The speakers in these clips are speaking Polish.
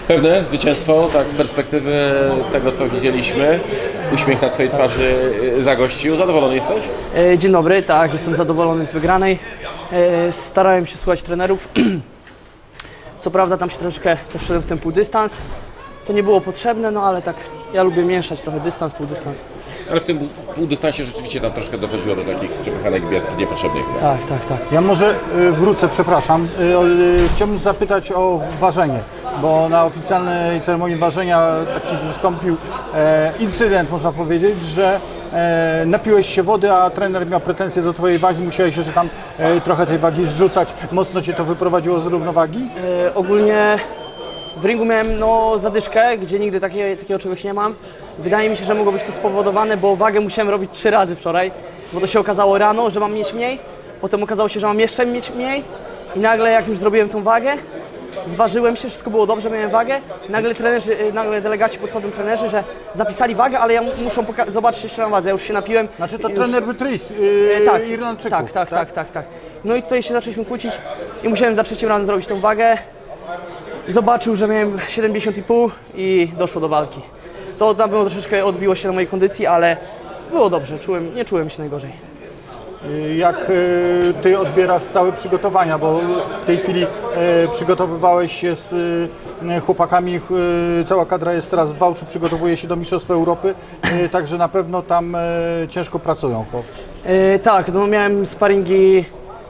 Pewne zwycięstwo, tak z perspektywy tego, co widzieliśmy. Uśmiech na twojej twarzy zagościł. Zadowolony jesteś? Dzień dobry, tak, jestem zadowolony z wygranej. Starałem się słuchać trenerów. Co prawda tam się troszeczkę wszedłem w ten półdystans. To nie było potrzebne, no ale tak ja lubię mieszać trochę dystans, półdystans. Ale w tym półdystansie rzeczywiście tam troszkę dochodziło do takich przepychanek niepotrzebnych. Tak, tak, tak. Ja może wrócę, przepraszam. Chciałbym zapytać o ważenie, bo na oficjalnej ceremonii ważenia taki wystąpił incydent, można powiedzieć, że napiłeś się wody, a trener miał pretensje do twojej wagi, musiałeś jeszcze tam trochę tej wagi zrzucać. Mocno cię to wyprowadziło z równowagi? Ogólnie w ringu miałem zadyszkę, gdzie nigdy takiego czegoś nie mam. Wydaje mi się, że mogło być to spowodowane, bo wagę musiałem robić 3 razy wczoraj, bo to się okazało rano, że mam mieć mniej, potem okazało się, że mam jeszcze mieć mniej i nagle jak już zrobiłem tą wagę, zważyłem się, wszystko było dobrze, miałem wagę, nagle delegaci podchodzą trenerzy, że zapisali wagę, ale ja muszą zobaczyć jeszcze na wadze, ja już się napiłem. Znaczy to już... trener Beatrice, Irlandczyków. Tak. No i tutaj się zaczęliśmy kłócić i musiałem za 3 razem zrobić tą wagę. Zobaczył, że miałem 70,5 i doszło do walki. To tam było troszeczkę odbiło się na mojej kondycji, ale było dobrze, nie czułem się najgorzej. Jak ty odbierasz całe przygotowania, bo w tej chwili przygotowywałeś się z chłopakami, cała kadra jest teraz w Wałczu, przygotowuje się do Mistrzostw Europy, także na pewno tam ciężko pracują chłopcy. Tak, no miałem sparingi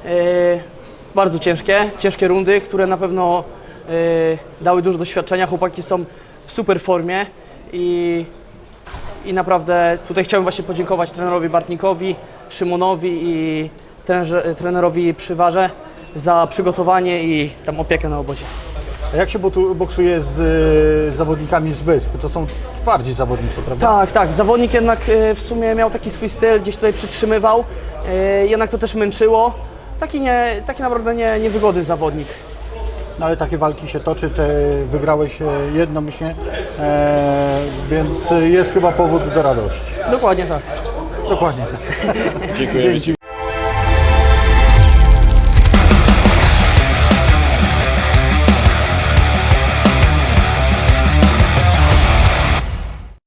bardzo ciężkie rundy, które na pewno dały dużo doświadczenia. Chłopaki są w super formie i naprawdę tutaj chciałbym właśnie podziękować trenerowi Bartnikowi, Szymonowi i trenerowi Przywarze za przygotowanie i tam opiekę na obozie. A jak się boksuje z zawodnikami z Wysp? To są twardzi zawodnicy, prawda? Tak. Zawodnik jednak w sumie miał taki swój styl, gdzieś tutaj przytrzymywał, jednak to też męczyło. Taki naprawdę niewygodny zawodnik. No ale takie walki się toczy, ty wygrałeś jednomyślnie, więc jest chyba powód do radości. Dokładnie tak. Dokładnie. Dziękuję.